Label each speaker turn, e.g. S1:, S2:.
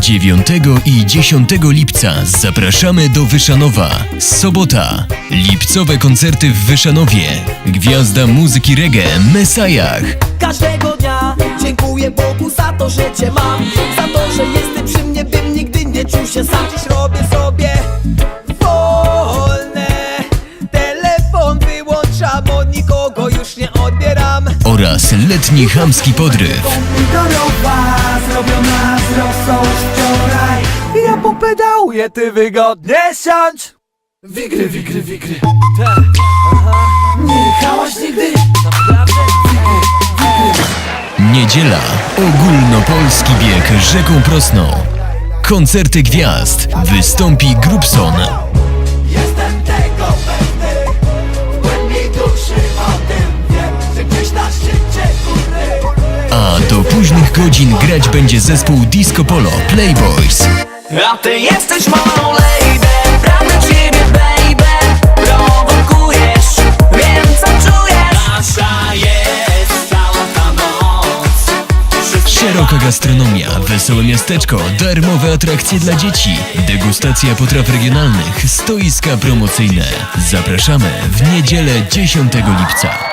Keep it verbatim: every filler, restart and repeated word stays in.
S1: dziewiątego i dziesiątego lipca zapraszamy do Wyszanowa. Sobota. Lipcowe koncerty w Wyszanowie. Gwiazda muzyki reggae Mesajach.
S2: Każdego dnia dziękuję Bogu za to, że Cię mam, za to, że jesteś przy mnie, bym nigdy nie czuł się sam. Dziś robię sobie wolne, telefon wyłączam, od nikogo już nie odbieram.
S1: Oraz letni chamski podryw.
S2: Pomidorowa, zrobiona z rosą wczoraj. Ja popedałuję, ty wygodnie siądź. Wigry, wigry, wigry. Tak, aha. Nie jechałaś nigdy? Naprawdę? Wigry, wigry.
S1: Niedziela. Ogólnopolski bieg rzeką Prosną. Koncerty gwiazd. Wystąpi Grubson.
S2: Jestem tego pewny, w głębi duszy o tym wiem, że gdzieś na szczycie góry.
S1: A do późnych godzin grać będzie zespół Disco Polo Playboys.
S2: A ty jesteś moją lady, pragnę ciebie baby, prowokujesz, wiem co czujesz. Nasza jest cała ta noc.
S1: Szeroka gastronomia, wesołe miasteczko, darmowe atrakcje dla dzieci, degustacja potraw regionalnych, stoiska promocyjne. Zapraszamy w niedzielę dziesiątego lipca.